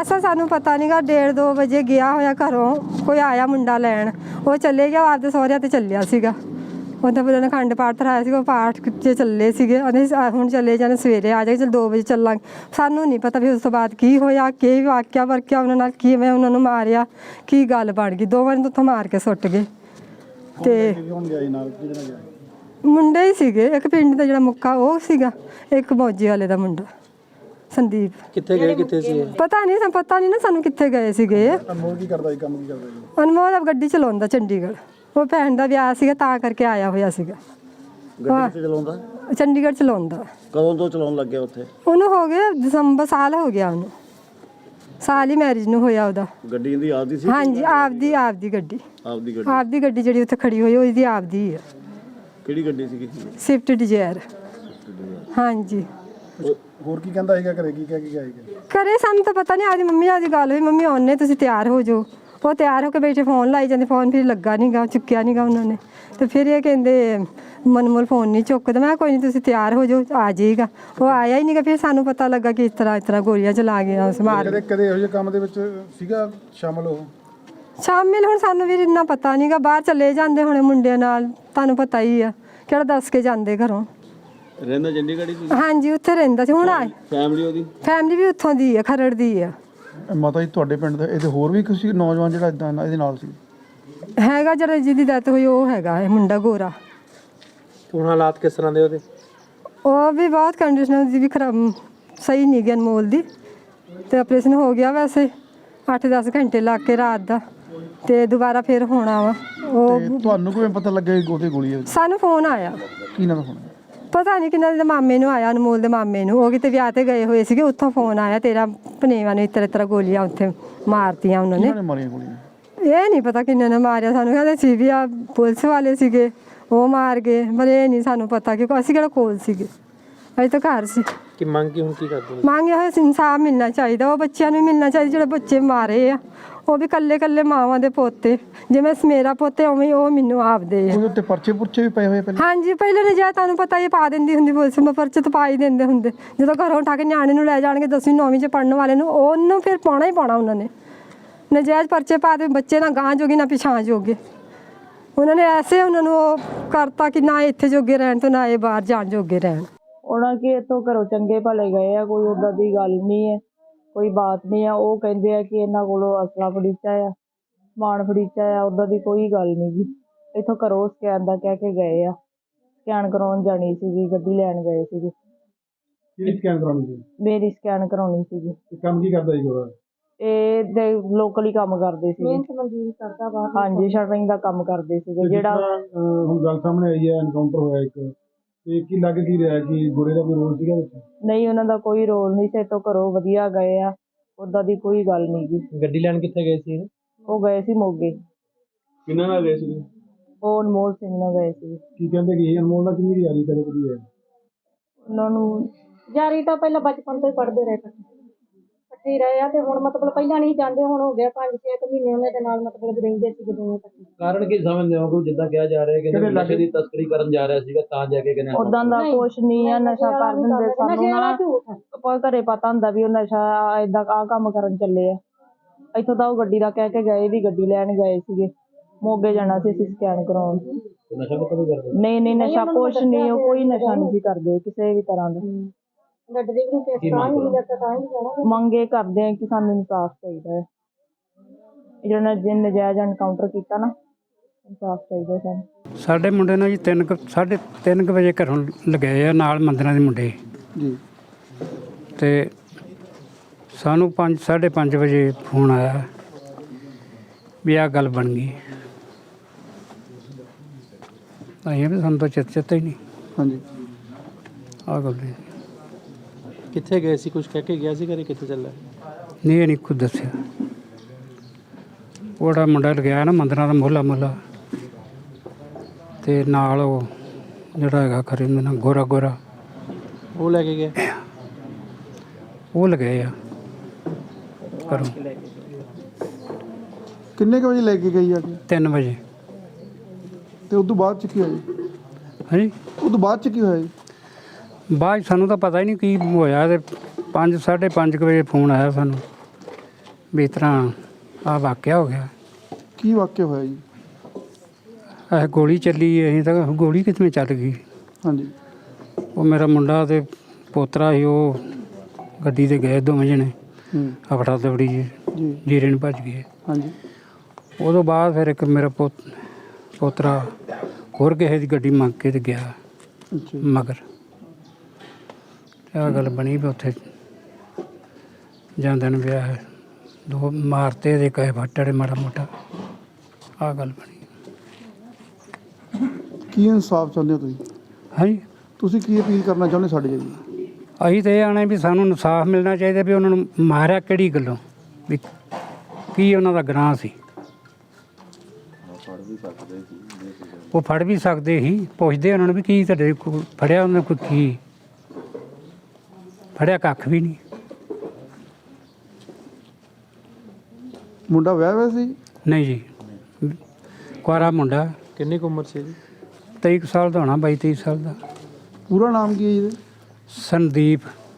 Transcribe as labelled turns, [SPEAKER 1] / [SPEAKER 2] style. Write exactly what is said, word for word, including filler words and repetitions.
[SPEAKER 1] ਐਸਾ ਸਾਨੂੰ ਪਤਾ ਨਹੀਂਗਾ। ਡੇਢ ਦੋ ਵਜੇ ਗਿਆ ਹੋਇਆ ਘਰੋਂ, ਕੋਈ ਆਇਆ ਮੁੰਡਾ ਲੈਣ, ਉਹ ਚੱਲੇ ਗਿਆ ਆਪਦੇ ਸਹੁਰਿਆਂ ਤੇ ਚੱਲਿਆ ਸੀਗਾ। ਉਹਦਾ ਫਿਰ ਉਹਨੇ ਅਖੰਡ ਪਾਠ ਧਰਾਇਆ ਸੀਗਾ, ਉਹ ਪਾਠ 'ਚ ਚੱਲੇ ਸੀਗੇ। ਉਹਨੇ ਹੁਣ ਚੱਲੇ ਜਾਣੇ, ਸਵੇਰੇ ਆ ਜਾਏ, ਚਲ ਦੋ ਵਜੇ ਚੱਲਾਂਗੇ। ਸਾਨੂੰ ਨਹੀਂ ਪਤਾ ਵੀ ਉਸ ਤੋਂ ਬਾਅਦ ਕੀ ਹੋਇਆ, ਕੀ ਵਾਕਿਆ ਵਰਕਿਆ ਉਹਨਾਂ ਨਾਲ, ਕਿਵੇਂ ਉਹਨਾਂ ਨੂੰ ਮਾਰਿਆ, ਕੀ ਗੱਲ ਬਣ ਗਈ। ਦੋਵਾਂ ਨੂੰ ਉੱਥੋਂ ਮਾਰ ਕੇ ਸੁੱਟ ਗਏ। ਤੇ ਮੁੰਡੇ ਹੀ ਸੀਗੇ, ਇੱਕ ਪਿੰਡ ਦਾ ਜਿਹੜਾ ਮੁੱਕਾ ਉਹ ਸੀਗਾ, ਇੱਕ ਮੌਜੀ ਵਾਲੇ ਦਾ ਮੁੰਡਾ ਸੰਦੀਪ।
[SPEAKER 2] ਕਿੱਥੇ ਗਏ, ਕਿੱਥੇ ਸੀ?
[SPEAKER 1] ਪਤਾ ਨਹੀਂ, ਸਾਨੂੰ ਪਤਾ ਨਹੀਂ ਨਾ ਸਾਨੂੰ ਕਿੱਥੇ ਗਏ ਸੀਗੇ।
[SPEAKER 3] ਅਨਮੋਲ ਕੀ ਕਰਦਾ ਸੀ, ਕੰਮ ਕੀ ਕਰਦਾ ਸੀ?
[SPEAKER 1] ਅਨਮੋਲ ਗੱਡੀ ਚਲਾਉਂਦਾ ਚੰਡੀਗੜ੍ਹ, ਉਹ ਭੈਣ ਦਾ ਵਿਆਹ ਸੀਗਾ ਤਾਂ ਕਰਕੇ ਆਇਆ ਹੋਇਆ ਸੀਗਾ।
[SPEAKER 2] ਗੱਡੀ ਚਲਾਉਂਦਾ
[SPEAKER 1] ਚੰਡੀਗੜ੍ਹ ਚਲਾਉਂਦਾ।
[SPEAKER 2] ਕਦੋਂ ਤੋਂ ਚਲਾਉਣ ਲੱਗਿਆ ਉੱਥੇ?
[SPEAKER 1] ਉਹਨੂੰ ਹੋ ਗਿਆ ਦਸੰਬਰ, ਸਾਲ ਹੋ ਗਿਆ ਉਹਨੂੰ, ਸਾਲ ਹੀ ਮੈਰਿਜ ਨੂੰ ਹੋਇਆ ਉਹਦਾ।
[SPEAKER 2] ਗੱਡੀ ਇਹਦੀ ਆਪਦੀ ਸੀ?
[SPEAKER 1] ਹਾਂਜੀ ਆਪਦੀ, ਆਪਦੀ ਗੱਡੀ,
[SPEAKER 2] ਆਪਦੀ ਗੱਡੀ।
[SPEAKER 1] ਆਪਦੀ ਗੱਡੀ ਜਿਹੜੀ ਉੱਥੇ ਖੜੀ ਹੋਈ ਉਹਦੀ ਆਪਦੀ ਹੈ।
[SPEAKER 2] ਕਿਹੜੀ ਗੱਡੀ ਸੀਗੀ?
[SPEAKER 1] Swift Dzire. ਹਾਂਜੀ।
[SPEAKER 3] ਹੋਰ ਕੀ ਕਹਿੰਦਾ ਸੀਗਾ ਘਰੇ, ਕੀ ਕਹਿ ਕੇ ਗਿਆ ਸੀਗਾ?
[SPEAKER 1] ਘਰੇ ਸਾਨੂੰ ਤਾਂ ਪਤਾ ਨਹੀਂ, ਆਦੀ ਮੰਮੀ ਨਾਲ ਦੀ ਗੱਲ ਹੋਈ, ਮੰਮੀ ਆਉਣੇ ਤੁਸੀਂ ਤਿਆਰ ਹੋ ਜਾਓ। ਉਹ ਤਿਆਰ ਹੋ ਕੇ ਬੈਠੇ, ਫੋਨ ਲਾਈ ਜਾਂਦੇ, ਫੋਨ ਫਿਰ ਲੱਗਾ ਨਹੀਂ ਗਾ, ਚੁੱਕਿਆ ਨਹੀਂ ਗਾ ਉਹਨਾਂ ਨੇ। ਤੇ ਫਿਰ ਇਹ ਕਹਿੰਦੇ ਮਨਮੋਲ ਫੋਨ ਨਹੀਂ ਚੁੱਕਦਾ। ਮੈਂ ਕੋਈ ਨਹੀਂ ਤੁਸੀਂ ਤਿਆਰ ਹੋ ਜਾਓ, ਆ ਜਾਏਗਾ। ਉਹ ਆਇਆ ਹੀ ਨਹੀਂ ਗਾ। ਫਿਰ ਸਾਨੂੰ ਪਤਾ ਲੱਗਾ ਕਿ ਇਸ ਤਰ੍ਹਾਂ ਇਸ ਤਰ੍ਹਾਂ ਗੋਲੀਆਂ ਚਲਾ ਗਿਆ ਉਸ ਮਾਰ।
[SPEAKER 3] ਕਦੇ ਕਦੇ ਇਹੋ ਜਿਹੇ ਕੰਮ ਦੇ ਵਿੱਚ ਸੀਗਾ ਸ਼ਾਮਲ ਉਹ?
[SPEAKER 1] ਸ਼ਾਮਿਲ ਹੁਣ ਸਾਨੂੰ ਵੀ ਇੰਨਾ ਪਤਾ ਨਹੀਂ ਗਾ। ਬਾਹਰ ਚਲੇ ਜਾਂਦੇ ਹੁਣੇ ਮੁੰਡਿਆਂ ਨਾਲ, ਤੁਹਾਨੂੰ ਪਤਾ ਹੀ ਆ, ਕਿਹੜਾ ਦੱਸ ਕੇ ਜਾਂਦੇ ਘਰੋਂ।
[SPEAKER 2] ਰਹਿੰਦਾ ਚੰਡੀਗੜ੍ਹ ਹੀ?
[SPEAKER 1] ਹਾਂਜੀ ਉੱਥੇ ਰਹਿੰਦਾ ਸੀ। ਹੁਣ ਆਏ
[SPEAKER 2] ਫੈਮਿਲੀ ਉਹਦੀ?
[SPEAKER 1] ਫੈਮਿਲੀ ਵੀ ਉੱਥੋਂ ਦੀ ਆ, ਖਰੜ ਦੀ ਆ।
[SPEAKER 3] ਮਾਤਾ ਜੀ ਤੁਹਾਡੇ ਪਿੰਡ ਦਾ ਇਹਦੇ ਹੋਰ ਵੀ ਕਿਸੇ ਨੌਜਵਾਨ ਜਿਹੜਾ ਇਦਾਂ ਇਹਦੇ ਨਾਲ ਸੀ?
[SPEAKER 1] ਹੈਗਾ ਜਿਹੜਾ ਜਿਹਦੀ ਡੈਥ ਹੋਈ ਉਹ ਹੈਗਾ ਇਹ ਮੁੰਡਾ ਗੋਰਾ।
[SPEAKER 2] ਹੁਣ ਹਾਲਾਤ ਕਿਸ ਤਰ੍ਹਾਂ ਦੇ ਉਹਦੇ?
[SPEAKER 1] ਉਹ ਵੀ ਬਹੁਤ ਕੰਡੀਸ਼ਨ ਦੀ ਵੀ ਖਰਾਬ, ਸਹੀ ਨਹੀਂ ਗਈ ਅਨਮੋਲ ਦੀ। ਤੇ ਆਪਰੇਸ਼ਨ ਹੋ ਗਿਆ ਵੈਸੇ ਅੱਠ ਦਸ ਘੰਟੇ ਲੱਗ ਕੇ ਰਾਤ ਦਾ, ਤੇ ਦੁਬਾਰਾ ਫਿਰ ਹੋਣਾ ਵਾ। ਉਹ
[SPEAKER 3] ਤੁਹਾਨੂੰ ਕਿਵੇਂ ਪਤਾ ਲੱਗਿਆ ਕਿ ਉਹਦੇ ਗੋਲੀ ਹੈ?
[SPEAKER 1] ਸਾਨੂੰ ਫੋਨ ਆਇਆ।
[SPEAKER 3] ਕੀ ਨਾਮ ਫੋਨ?
[SPEAKER 1] ਪਤਾ ਨਹੀਂ ਕਿਹਨਾਂ ਦੇ ਮਾਮੇ ਨੂੰ ਆਇਆ, ਅਨਮੋਲ ਦੇ ਮਾਮੇ ਨੂੰ। ਉਹ ਕਿਤੇ ਵਿਆਹ ਤੇ ਗਏ ਹੋਏ ਸੀਗੇ, ਉੱਥੋਂ ਫੋਨ ਆਇਆ ਤੇਰਾ ਭਨੇਵਾ ਨੇ ਇਤਰ ਇਤਰ ਗੋਲੀਆਂ ਉੱਥੇ ਮਾਰਤੀਆਂ ਉਹਨਾਂ ਨੇ।
[SPEAKER 3] ਮਾਰੀਆਂ ਗੋਲੀਆਂ?
[SPEAKER 1] ਇਹ ਨਹੀਂ ਪਤਾ ਕਿੰਨੇ ਨੇ ਮਾਰਿਆ, ਸਾਨੂੰ ਕਹਿੰਦੇ ਸੀ ਵੀ ਆ ਪੁਲਿਸ ਵਾਲੇ ਸੀਗੇ ਉਹ ਮਾਰ ਗਏ, ਪਰ ਇਹ ਨਹੀਂ ਸਾਨੂੰ ਪਤਾ ਕਿ ਅਸੀਂ ਕਿਹੜਾ ਕੋਲ ਸੀਗੇ, ਅਸੀਂ ਤਾਂ ਘਰ ਸੀ।
[SPEAKER 2] ਕਿ ਮੰਗ ਕੀ ਹੁਣ ਕੀ ਕਰਦੇ?
[SPEAKER 1] ਮੰਗੇ ਹੋਏ ਇਨਸਾਫ ਮਿਲਣਾ ਚਾਹੀਦਾ, ਉਹ ਬੱਚਿਆਂ ਨੂੰ ਮਿਲਣਾ ਚਾਹੀਦਾ ਜਿਹੜੇ ਬੱਚੇ ਮਾਰੇ ਆ। ਉਹ ਵੀ ਕੱਲੇ ਕੱਲੇ ਮਾਵਾਂ ਦੇ ਪੋਤੇ, ਜਿਵੇਂ ਮੇਰਾ ਪੋਤੇ ਉਵੇਂ ਉਹ ਮੈਨੂੰ ਆਪਦੇ ਆ।
[SPEAKER 3] ਉਹਦੇ ਉੱਤੇ ਪਰਚੇ ਪੁਰਚੇ ਵੀ ਪਏ ਹੋਏ ਪਹਿਲਾਂ?
[SPEAKER 1] ਹਾਂਜੀ ਪਹਿਲੇ ਨੇ ਜਾ ਤੁਹਾਨੂੰ ਪਤਾ ਇਹ ਪਾ ਦਿੰਦੀ ਹੁੰਦੀ ਪੁਲਿਸ, ਮੈਂ ਪਰਚੇ ਤਾਂ ਪਾ ਹੀ ਦਿੰਦੇ ਹੁੰਦੇ। ਜਦੋਂ ਘਰੋਂ ਉਠਾ ਕੇ ਨਿਆਣੇ ਨੂੰ ਲੈ ਜਾਣਗੇ ਦਸਵੀਂ ਨੌਵੀਂ 'ਚ ਪੜ੍ਹਨ ਵਾਲੇ ਨੂੰ, ਉਹਨੂੰ ਫਿਰ ਪਾਉਣਾ ਹੀ ਪਾਉਣਾ ਉਹਨਾਂ ਨੇ। ਨਜਾਇਜ਼ ਪਰਚੇ ਪਾ ਦੇ, ਬੱਚੇ ਨਾ ਗਾਂ ਜੋਗੇ ਨਾ ਪਿਛਾਂ ਜੋਗੇ। ਉਹਨਾਂ ਨੇ ਐਸੇ ਉਹਨਾਂ ਨੂੰ ਉਹ ਕਰਤਾ ਕਿ ਨਾ ਇੱਥੇ ਜੋਗੇ ਰਹਿਣ ਤੇ ਨਾ ਇਹ ਬਾਹਰ ਜਾਣ ਜੋਗੇ ਰਹਿਣ।
[SPEAKER 4] ਉਹਨਾਂ ਕਿ ਇੱਥੋਂ ਘਰੋਂ ਚੰਗੇ ਭਲੇ ਗਏ ਆ, ਕੋਈ ਉੱਦਾਂ ਦੀ ਗੱਲ ਨਹੀਂ ਹੈ, ਕੋਈ ਬਾਤ ਨਹੀਂ ਆ। ਉਹ ਕਹਿੰਦੇ ਆ ਕਿ ਇਹਨਾਂ ਕੋਲੋਂ ਅਸਲਾ ਫੜੀਚਾ ਆ, ਸਮਾਨ ਫੜੀਚਾ ਆ, ਉੱਦਾਂ ਦੀ ਕੋਈ ਗੱਲ ਨਹੀਂ ਗੀ। ਇੱਥੋਂ ਘਰੋਂ ਸਕੈਨ ਦਾ ਕਹਿ ਕੇ ਗਏ ਆ, ਸਕੈਨ ਕਰਾਉਣ ਜਾਣੀ ਸੀਗੀ, ਗੱਡੀ ਲੈਣ ਗਏ ਸੀਗੇ।
[SPEAKER 3] ਕਿਹੜੀ ਸਕੈਨ ਕਰਾਉਣੀ ਸੀ?
[SPEAKER 4] ਮੇਰੀ ਸਕੈਨ ਕਰਾਉਣੀ ਸੀਗੀ।
[SPEAKER 3] ਕੰਮ ਕੀ ਕਰਦਾ ਸੀ ਉਹ?
[SPEAKER 4] ਇਹ ਦੇ ਲੋਕਲ ਹੀ ਕੰਮ ਕਰਦੇ ਸੀਗੇ। ਹਾਂਜੀ ਸ਼ਟਰਿੰਗ ਦਾ ਕੰਮ ਕਰਦੇ ਸੀਗੇ। ਜਿਹੜਾ
[SPEAKER 3] ਹੁਣ ਗੱਲ ਸਾਹਮਣੇ ਆਈ ਹੈ, ਐਨਕਾਊਂਟਰ ਹੋਇਆ ਇੱਕ, ਤੇ ਕੀ ਲੱਗ ਕੀ ਰਿਹਾ ਕਿ ਗੋਰੇ ਦਾ ਕੋਈ ਰੋਲ ਸੀਗਾ ਵਿੱਚ?
[SPEAKER 4] ਨਹੀਂ ਉਹਨਾਂ ਦਾ ਕੋਈ ਰੋਲ ਨਹੀਂ ਸੀ, ਇੱਥੋਂ ਘਰੋਂ ਵਧੀਆ ਗਏ ਆ, ਉੱਦਾਂ ਦੀ ਕੋਈ ਗੱਲ ਨਹੀਂ ਗੀ।
[SPEAKER 2] ਗੱਡੀ ਲੈਣ ਕਿੱਥੇ ਗਏ ਸੀ?
[SPEAKER 4] ਉਹ ਗਏ ਸੀ ਮੋਗੇ।
[SPEAKER 2] ਕਿੰਨਾਂ ਨਾਲ ਗਏ ਸੀ?
[SPEAKER 4] ਉਹ ਅਨਮੋਲ ਸਿੰਘ ਨਾਲ ਗਏ ਸੀ।
[SPEAKER 3] ਕੀ ਕਹਿੰਦੇ ਕਿ ਅਨਮੋਲ ਨਾਲ ਕਿੰਨੀ ਯਾਰੀ ਕਰੇ ਕਦੀ ਹੈ?
[SPEAKER 4] ਉਹਨਾਂ ਨੂੰ
[SPEAKER 5] ਯਾਰੀ ਤਾਂ ਪਹਿਲਾਂ ਬਚਪਨ ਤੋਂ ਹੀ ਪੜ੍ਹਦੇ ਰਹੇ, ਇਕੱਠੇ ਹੀ ਰਹੇ ਆ। ਤੇ ਹੁਣ ਮਤਲਬ ਪਹਿਲਾਂ ਨਹੀਂ ਜਾਂਦੇ, ਹੁਣ ਹੋ ਗਿਆ ਪੰਜ ਛੇ ਕੁ ਮਹੀਨੇ ਉਹਨਾਂ ਦੇ ਨਾਲ ਮਤਲਬ ਰਹਿੰਦੇ ਸੀ ਦੋਵੇਂ ਇਕੱਠੇ।
[SPEAKER 2] ਕਾਰਨ ਕੀ ਸਮਝਦੇ ਹੋ? ਜਿੱਦਾਂ ਕਿਹਾ ਜਾ ਰਿਹਾ ਕਿ ਨਸ਼ੇ ਦੀ ਤਸਕਰੀ ਕਰਨ ਜਾ ਰਿਹਾ ਸੀਗਾ ਤਾਂ ਜਾ ਕੇ ਕਿਨੇ?
[SPEAKER 4] ਉਦਾਂ ਦਾ ਕੁਛ ਨਹੀਂ ਆ, ਨਸ਼ਾ ਕਰ ਦਿੰਦੇ ਸਾਨੂੰ ਨਾ। ਆਪਾਂ ਘਰੇ ਪਤਾ ਹੁੰਦਾ ਵੀ ਉਹ ਨਸ਼ਾ ਏਦਾਂ ਆਹ ਕੰਮ ਕਰਨ ਚੱਲੇ ਆ। ਇੱਥੋਂ ਤਾਂ ਉਹ ਗੱਡੀ ਦਾ ਕਹਿ ਕੇ ਗਏ ਵੀ ਗੱਡੀ ਲੈਣ ਗਏ ਸੀਗੇ, ਮੋਗੇ ਜਾਣਾ ਸੀ ਅਸੀਂ ਸਕੈਨ ਕਰਾਉਣ।
[SPEAKER 2] ਨਸ਼ਾ ਪਤਾ ਨਹੀਂ ਕਰਦੇ?
[SPEAKER 4] ਨਹੀਂ ਨਹੀਂ ਨਸ਼ਾ ਕੁਛ ਨਹੀਂ, ਉਹ ਕੋਈ ਨਸ਼ਾ ਨਹੀਂ ਸੀ ਕਰਦੇ ਕਿਸੇ ਵੀ ਤਰ੍ਹਾਂ ਦਾ। ਮੰਗੇ ਕਰਦੇ ਆ ਕਿ ਸਾਨੂੰ ਇਨਸਾਫ ਚਾਹੀਦਾ ਹੈ, ਜਿਹੜਾ ਨਜਾਇਜ਼ ਐਨਕਾਊਂਟਰ ਕੀਤਾ ਨਾ, ਇਨਸਾਫ ਚਾਹੀਦਾ ਸਾਨੂੰ।
[SPEAKER 6] ਸਾਡੇ ਮੁੰਡੇ ਨੂੰ ਜੀ ਤਿੰਨ ਕੁ ਸਾਢੇ ਤਿੰਨ ਕੁ ਵਜੇ ਘਰੋਂ ਲਗਾਏ ਆ ਨਾਲ ਮੰਦਰਾਂ ਦੇ ਮੁੰਡੇ
[SPEAKER 3] ਜੀ,
[SPEAKER 6] ਤੇ ਸਾਨੂੰ ਪੰਜ ਸਾਢੇ ਪੰਜ ਵਜੇ ਫੋਨ ਆਇਆ ਵੀ ਆਹ ਗੱਲ ਬਣ ਗਈ। ਅਸੀਂ ਵੀ ਸਾਨੂੰ ਤਾਂ ਚਿੱਤ ਚੇਤਾ ਹੀ ਨਹੀਂ।
[SPEAKER 3] ਹਾਂਜੀ
[SPEAKER 6] ਆਹ ਗੱਲ ਨਹੀਂ।
[SPEAKER 2] ਕਿੱਥੇ ਗਏ ਸੀ? ਕੁਝ ਕਹਿ ਕੇ ਗਿਆ ਸੀ ਘਰੇ? ਕਿੱਥੇ ਚੱਲਿਆ?
[SPEAKER 6] ਨਹੀਂ ਇਹ ਨਹੀਂ ਖੁਦ ਦੱਸਿਆ। ਉਹਦਾ ਮੁੰਡਾ ਲਗਾਇਆ ਨਾ ਮੰਦਰਾਂ ਦਾ ਮੋਹਲਾ ਮੋਹਲਾ, ਤੇ ਨਾਲ ਉਹ ਜਿਹੜਾ ਹੈਗਾ ਖਰੇ ਨਾ ਗੋਰਾ ਗੋਰਾ
[SPEAKER 2] ਉਹ ਲੈ ਕੇ ਗਏ?
[SPEAKER 6] ਉਹ ਲਗਾਏ ਆ ਘਰੋਂ।
[SPEAKER 3] ਕਿੰਨੇ ਕੁ ਵਜੇ ਲੈ ਕੇ ਗਈ ਆ ਕੇ?
[SPEAKER 6] ਤਿੰਨ ਵਜੇ।
[SPEAKER 3] ਤੇ ਉਸ ਤੋਂ ਬਾਅਦ ਚ ਕੀ ਹੋਇਆ ਜੀ?
[SPEAKER 6] ਹਾਂਜੀ
[SPEAKER 3] ਉਸ ਤੋਂ ਬਾਅਦ ਚ ਕੀ ਹੋਇਆ ਜੀ?
[SPEAKER 6] ਬਾਅਦ 'ਚ ਸਾਨੂੰ ਤਾਂ ਪਤਾ ਹੀ ਨਹੀਂ ਕੀ ਹੋਇਆ। ਤੇ ਪੰਜ ਸਾਢੇ ਪੰਜ ਕੁ ਵਜੇ ਫੋਨ ਆਇਆ ਸਾਨੂੰ ਵੀ ਇਸ ਤਰ੍ਹਾਂ ਆ ਵਾਕਿਆ ਹੋ ਗਿਆ।
[SPEAKER 3] ਕੀ ਵਾਕਿਆ ਹੋਇਆ ਜੀ?
[SPEAKER 6] ਇਹ ਗੋਲੀ ਚੱਲੀ, ਅਸੀਂ ਤਾਂ ਗੋਲੀ ਕਿਵੇਂ ਚੱਲ ਗਈ।
[SPEAKER 3] ਹਾਂਜੀ
[SPEAKER 6] ਉਹ ਮੇਰਾ ਮੁੰਡਾ ਤੇ ਪੋਤਰਾ ਸੀ, ਉਹ ਗੱਡੀ ਤੇ ਗਏ ਦੋਵੇਂ ਜਣੇ,
[SPEAKER 3] ਹੂੰ
[SPEAKER 6] ਹਫੜਾ ਦਫੜੀ ਜੀ
[SPEAKER 3] ਜੀ
[SPEAKER 6] ਜੀਰੇ ਨੂੰ ਭੱਜ ਗਏ।
[SPEAKER 3] ਹਾਂਜੀ
[SPEAKER 6] ਉਦੋਂ ਬਾਅਦ ਫਿਰ ਇੱਕ ਮੇਰਾ ਪੋਤ ਪੋਤਰਾ ਹੋਰ ਕਿਸੇ ਦੀ ਗੱਡੀ ਮੰਗ ਕੇ ਤੇ ਗਿਆ
[SPEAKER 3] ਅੱਛਾ ਜੀ।
[SPEAKER 6] ਮਗਰ। ਆਹ ਗੱਲ ਬਣੀ ਵੀ ਉੱਥੇ ਜਾਂਦੇ ਨੇ ਵਿਆਹ ਦੋ ਮਾਰਤੇ ਦੇ ਕਹੇ ਫੱਟੜੇ ਮਾੜਾ ਮੋਟਾ, ਆਹ ਗੱਲ ਬਣੀ।
[SPEAKER 3] ਕੀ ਇਨਸਾਫ ਚਾਹੁੰਦੇ ਹੋ ਤੁਸੀਂ?
[SPEAKER 6] ਹਾਂਜੀ,
[SPEAKER 3] ਤੁਸੀਂ ਕੀ ਅਪੀਲ ਕਰਨਾ ਚਾਹੁੰਦੇ ਸਾਡੇ ਜੀ?
[SPEAKER 6] ਅਸੀਂ ਤਾਂ ਇਹ ਆਣੇ ਵੀ ਸਾਨੂੰ ਇਨਸਾਫ ਮਿਲਣਾ ਚਾਹੀਦਾ ਵੀ ਉਹਨਾਂ ਨੂੰ ਮਾਰਿਆ ਕਿਹੜੀ ਗੱਲੋਂ, ਵੀ ਕੀ ਉਹਨਾਂ ਦਾ ਗੁਨਾਹ ਸੀ। ਉਹ ਫੜ ਵੀ ਸਕਦੇ ਸੀ, ਪੁੱਛਦੇ ਉਹਨਾਂ ਨੂੰ ਵੀ ਕੀ ਤੁਹਾਡੇ ਕੋਲ ਫੜਿਆ ਉਹਨਾਂ ਕੋਈ, ਕੀ ਫੜਿਆ? ਕੱਖ ਵੀ ਨਹੀਂ।
[SPEAKER 3] ਮੁੰਡਾ ਵਿਆਹ ਹੋਇਆ ਸੀ?
[SPEAKER 6] ਨਹੀਂ ਜੀ, ਕੁਆਰਾ ਮੁੰਡਾ।
[SPEAKER 3] ਕਿੰਨੀ ਕੁ ਉਮਰ ਸੀ ਜੀ?
[SPEAKER 6] ਤੇਈ ਕੁ ਸਾਲ ਦਾ ਹੋਣਾ, ਬਾਈ ਤੇਈ ਸਾਲ ਦਾ।
[SPEAKER 3] ਪੂਰਾ ਨਾਮ ਕੀ ਹੈ ਜੀ ਇਹਦਾ?
[SPEAKER 6] ਸੰਦੀਪ